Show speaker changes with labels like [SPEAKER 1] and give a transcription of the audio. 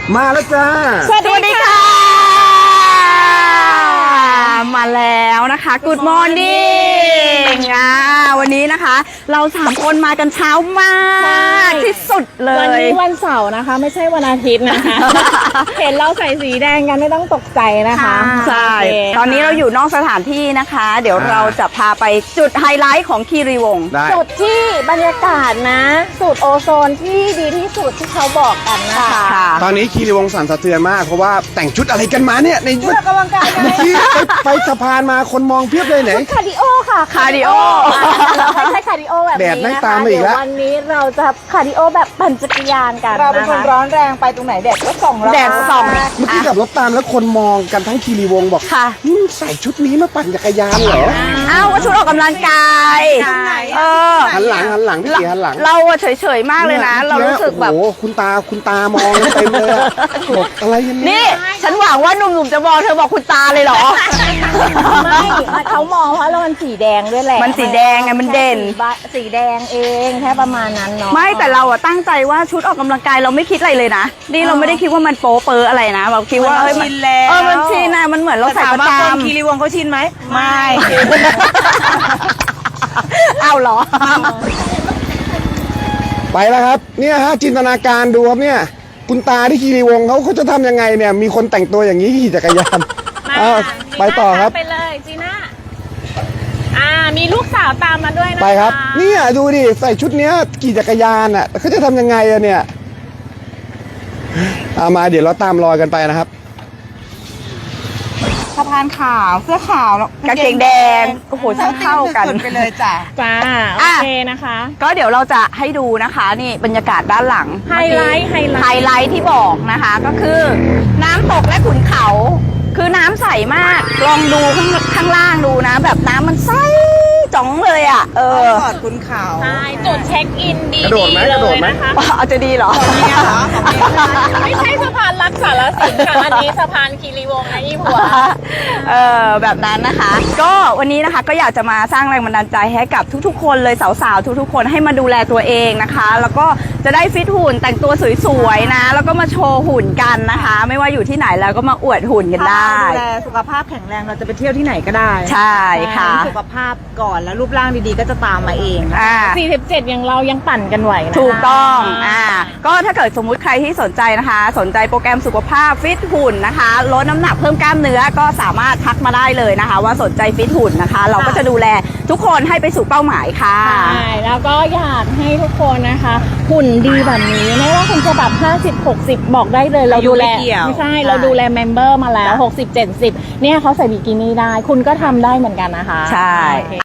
[SPEAKER 1] มาแล้วจ้า
[SPEAKER 2] สวัสดีค่ะมาแล้วนะคะ Good Morning วันนี้นะคะเรา3คนมากันเช้ามากที่สุดเลย
[SPEAKER 3] วันนี้วันเสาร์นะคะไม่ใช่วันอาทิตย์นะคะ เห็นเราใส่สีแดงกันไม่ต้องตกใจนะคะ
[SPEAKER 2] ใช่ตอนนี้เราอยู่นอกสถานที่นะคะ เดี๋ยวเราจะพาไปจุดไฮไลท์ของคีรีวงศ์
[SPEAKER 3] จุดที่บรรยากาศนะสูตรโอโซนที่ดีที่สุดที่เขาบอกกันนะคะ
[SPEAKER 1] ตอนนี้คีรีวงศ์สั่นสะเทือนมากเพราะว่าแต่งชุดอะไรกันมาเนี่ยใน
[SPEAKER 3] ชุดออกกำลังกาย
[SPEAKER 1] ไปสะพานมาคนมองเพียบเลยไหน
[SPEAKER 3] คาร์ดิโอค่ะ
[SPEAKER 2] คาร์ดิโอ
[SPEAKER 3] ไม่ใช่คาร์ดิโอแบบนี้นะคะ
[SPEAKER 1] แดดไม่ตามมาอีกแล้ว
[SPEAKER 3] วันนี้เราจะคาร์ดิโอแบบปั่นจักรยานกัน
[SPEAKER 4] เราเป็นคนร้อนแรงไปตรงไหนแดดก็ส่องเรา
[SPEAKER 2] แดดส่อง
[SPEAKER 1] เมื่อกี้ขับรถตามแล้วคนมองกันทั้งคีรีวงศ์บอก
[SPEAKER 2] ค่ะ
[SPEAKER 1] นี่ใส่ชุดนี้มาปั่นจักรยานเหรอ
[SPEAKER 2] อ้าวก็ชุดออกกำลังกาย
[SPEAKER 1] หันหลังพี่เก๋หันหลัง
[SPEAKER 2] เราเฉยๆมากเลยนะเรารู้สึกแบบ
[SPEAKER 1] โอ้คุณตามองเต็มเลยบอกอะไรกัน
[SPEAKER 2] นี่ฉันหวังว่าหนุ่มๆจะมองเธอบอกคุณตาเลยเหรอ
[SPEAKER 3] ไม่เขามองเพราะเรามันสีแดงด้วยแหละ
[SPEAKER 2] มันสีแดงไงมันเด่น
[SPEAKER 3] สีแดงเองแค่ประมาณนั้นเนาะ
[SPEAKER 2] ไม่แต่เราตั้งใจว่าชุดออกกำลังกายเราไม่คิดอะไรเลยนะนี่เราไม่ได้คิดว่ามันโป๊เปออะไรนะเราคิดว่า
[SPEAKER 4] มันชินแล้ว
[SPEAKER 2] มันชินนะมันเหมือนเราใส่ประจำ
[SPEAKER 4] คีรีวงศ์เขาชินไหมไม่
[SPEAKER 2] เอาเหรอ
[SPEAKER 1] ไปแล้วครับเนี่ยฮะจินตนาการดูครับเนี่ยคุณตาที่คีรีวงศ์เขาจะทำยังไงเนี่ยมีคนแต่งตัวอย่างนี้ขี่จักรยานไปต่อครับ
[SPEAKER 3] ไปเลยจีน่ามีลูกสาวตามมาด้วยนะ
[SPEAKER 1] ไปครับเนี่ยดูดิใส่ชุดเนี้ยขี่จักรยานอ่ะเขาจะทำยังไงอะเนี่ยมาเดี๋ยวเราตามรอยกันไปนะครับ
[SPEAKER 4] สะพานขาวเสื้อขาว
[SPEAKER 2] กางเกงแดงโอ้โหช่างเข้ากัน
[SPEAKER 4] ไปเลยจ้ะ
[SPEAKER 3] โอเคนะคะ
[SPEAKER 2] ก็เดี๋ยวเราจะให้ดูนะคะนี่บรรยากาศด้านหลัง
[SPEAKER 3] ไฮไลท์
[SPEAKER 2] ที่บอกนะคะก็คือน้ำตกและขุนเขาคือน้ำใสมากลองดูข้างล่างดูนะแบบน้ำมันใสจ๋องเลยอ่ะ
[SPEAKER 4] ขอดขุนเขา
[SPEAKER 3] ใช่จุดเช็คอินดีเลยนะคะ
[SPEAKER 2] เอาจะดีเหรอ
[SPEAKER 3] ไม่ใช่สะพานรักษาละสินค่ะอันนี้สะพานคีรีวงศ์นะยี่หัว
[SPEAKER 2] แบบนั้นนะคะก็วันนี้นะคะก็อยากจะมาสร้างแรงบันดาลใจให้กับทุกๆคนเลยสาวๆทุกๆคนให้มาดูแลตัวเองนะคะแล้วก็จะได้ฟิตหุ่นแต่งตัวสวยๆนะแล้วก็มาโชว์หุ่นกันนะคะไม่ว่าอยู่ที่ไหนแล้วก็มาอวดหุ่นกันได้
[SPEAKER 4] ดูแลสุขภาพแข็งแรงเราจะไปเที่ยวที่ไหนก็ได้
[SPEAKER 2] ใช่ค่ะ
[SPEAKER 4] สุขภาพก่อนแล้วรูปร่างดีๆก็จะตามมาเอง
[SPEAKER 3] 47อย่างเรายังปั่นกันไหวนะ
[SPEAKER 2] ถูกต้องก็ถ้าเกิดสมมุติใครที่สนใจนะคะสนใจโปรแกรมสุขภาพฟิตหุ่นนะคะลดน้ำหนักเพิ่มกล้ามเนื้อก็สามารถทักมาได้เลยนะคะว่าสนใจฟิตหุ่นนะคะเราก็จะดูแลทุกคนให้ไปสู่เป้าหมายค่ะ
[SPEAKER 3] ใช่แล้วก็อยากให้ทุกคนนะคะหุ่นดีแบบนี้ไม่ว่าคุณจะแบบ50-60บอกได้เลยเราดูแลไม่ใช่เราดูแลเมมเบอร์มาแล้ว60-70เนี่ยเขาใส่บิกินี่ได้คุณก็ทำได้เหมือนกันนะคะ
[SPEAKER 2] ใช่